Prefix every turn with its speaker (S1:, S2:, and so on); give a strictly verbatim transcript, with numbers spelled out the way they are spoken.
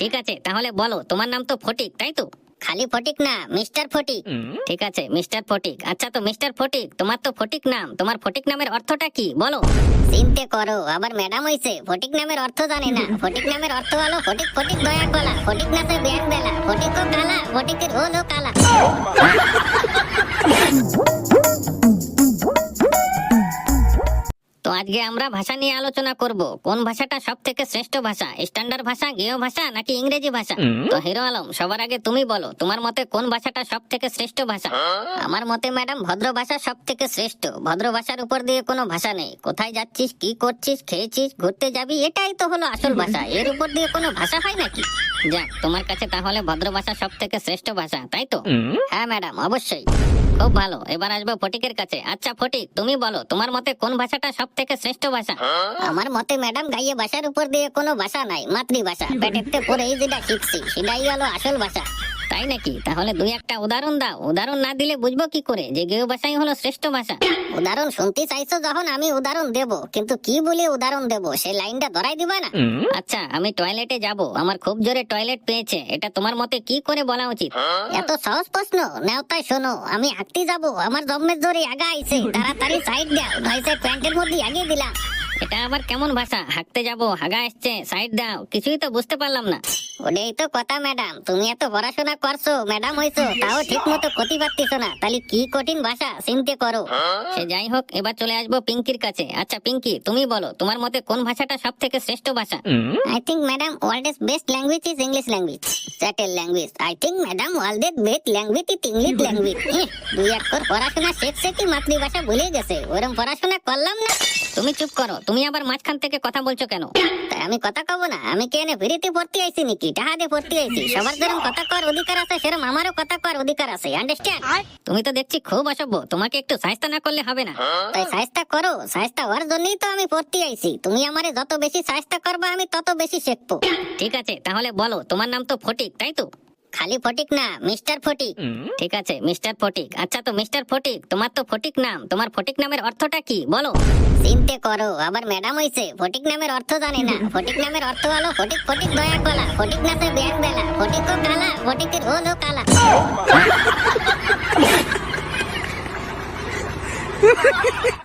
S1: ঠিক আছে, তাহলে বলো তোমার নাম তো ফটিক, তাই তো?
S2: খালি ফটিক না, মিস্টার ফটিক।
S1: ঠিক আছে, মিস্টার ফটিক। আচ্ছা, তো মিস্টার ফটিক, তোমার তো ফটিক নাম, তোমার ফটিক নামের অর্থটা কি বলো?
S2: চিনতে করো, আবার ম্যাডাম হইছে ফটিক নামের অর্থ জানে না। ফটিক নামের অর্থ হলো ফটিক ফটিক দয়া গলা, ফটিক নাচে ব্যাং বেলা, ফটিকও কালা, ফটিকের হলো কালা।
S1: তো আজকে আমরা ভাষা নিয়ে আলোচনা করব। কোন ভাষাটা সব থেকে শ্রেষ্ঠ ভাষা, স্ট্যান্ডার্ড ভাষা, গেয় ভাষা নাকি ইংরেজি ভাষা? তো হিরো আলম, সবার আগে তুমি বলো, তোমার মতে কোন ভাষাটা সব থেকে শ্রেষ্ঠ ভাষা?
S2: আমার মতে ম্যাডাম ভদ্র ভাষা সব থেকে শ্রেষ্ঠ। ভদ্র ভাষার উপর দিয়ে কোনো ভাষা নেই। কোথায় যাচ্ছিস, কি করছিস, খেয়েছিস, ঘুরতে যাবি, এটাই তো হলো আসল ভাষা। এর উপর দিয়ে কোনো ভাষা হয় নাকি?
S1: যাক, তোমার কাছে তাহলে ভদ্র ভাষা সব থেকে শ্রেষ্ঠ ভাষা, তাই তো?
S2: হ্যাঁ ম্যাডাম, অবশ্যই।
S1: খুব ভালো, এবার আসবো ফটিকের কাছে। আচ্ছা ফটিক, তুমি বলো, তোমার মতে কোন ভাষাটা সব থেকে শ্রেষ্ঠ ভাষা?
S2: আমার মতে ম্যাডাম গাইয়ে ভাষার উপর দিয়ে কোনো ভাষা নাই, মাতৃভাষা। পেটেতে পড়েই যেটা শিখছি সেটাই হলো আসল ভাষা।
S1: তাই নাকি? তাহলে দুই একটা উদাহরণ দাও। উদাহরণ না দিলে বুঝবো কি করে যে গেয় ভাষাই হলো শ্রেষ্ঠ ভাষা?
S2: উদাহরণ শুনতে চাইছো যখন, আমি উদাহরণ দেব, কিন্তু কি বলে উদাহরণ দেব সেই লাইনটা ধরাই দিবা না?
S1: আচ্ছা, আমি টয়লেটে যাব, আমার খুব জোরে টয়লেট পেয়েছে, এটা তোমার মতে কি করে বলা উচিত?
S2: এত সহজ প্রশ্ন নাও, তাই শোনো। আমি হাঁটতে যাব, আমার জম্মের জোরে আগা আইছে, তাড়াতাড়ি সাইড দাও, নইসে প্যান্টের মধ্যে আগিয়ে দিলাম।
S1: এটা আবার কেমন ভাষা? হাঁকতে যাব, হাগা আসছে, সাইড দাও, কিছুই তো বুঝতে পারলাম না।
S2: ওটাই তো কথা ম্যাডাম, তুমি এত পড়াশোনা করছো, ম্যাডাম হইছো, তাও ঠিক মতো ক্ষতি পারতেছো না। তাহলে কি কঠিন ভাষা, চিন্তা করো।
S1: সে যাই হোক, এবার চলে আসবো পিঙ্কির কাছে। আচ্ছা পিঙ্কি, তুমি বলো, তোমার মতে কোন ভাষাটা সব থেকে শ্রেষ্ঠ ভাষা?
S2: I think madam world's best language is English language. Settle language. I think madam world's best language is English language. এহ, দুই এক করে পড়াশোনা শেখছে কি মাতৃভাষা ভুলে গেছে, ওরম পড়াশোনা করলাম না।
S1: তুমি চুপ করো, তুমি আবার মাঝখান থেকে কথা বলছো কেন?
S2: তাই আমি কথা কব না? আমি কি এনে ফ্রিতে পড়তে আইছি নাকি, টাকা দিয়ে পড়তে আইছি? সবার যেরকম কথা কর অধিকার আছে, সেরকম আমারও কথা কর অধিকার আছে, আন্ডারস্ট্যান্ড?
S1: তুমি তো দেখছি খুব অসভ্য, তোমাকে একটু সাহায্য না করলে হবে না।
S2: তাই সাহায্য করো, সাহায্য হওয়ার জন্যই তো আমি পড়তে আইছি। তুমি আমারে যত বেশি সাহায্য করবা, আমি তত বেশি শিখবো।
S1: ঠিক আছে, তাহলে বলো, তোমার নাম তো ফটিক, তাই তো?
S2: খালি ফটিক না, মিস্টার ফটিক।
S1: ঠিক আছে, মিস্টার ফটিক। আচ্ছা, তো মিস্টার ফটিক, তোমার তো ফটিক নাম, তোমার ফটিক নামের অর্থটা কি বলো?
S2: চিনতে করো, আবার ম্যাডাম হইছে ফটিক নামের অর্থ জানে না। ফটিক নামের অর্থ হলো ফটিক ফটিক দয়া গলা, ফটিক নাচে ব্যাং বেলা, ফটিকও কালা, ফটিকের হলো কালা।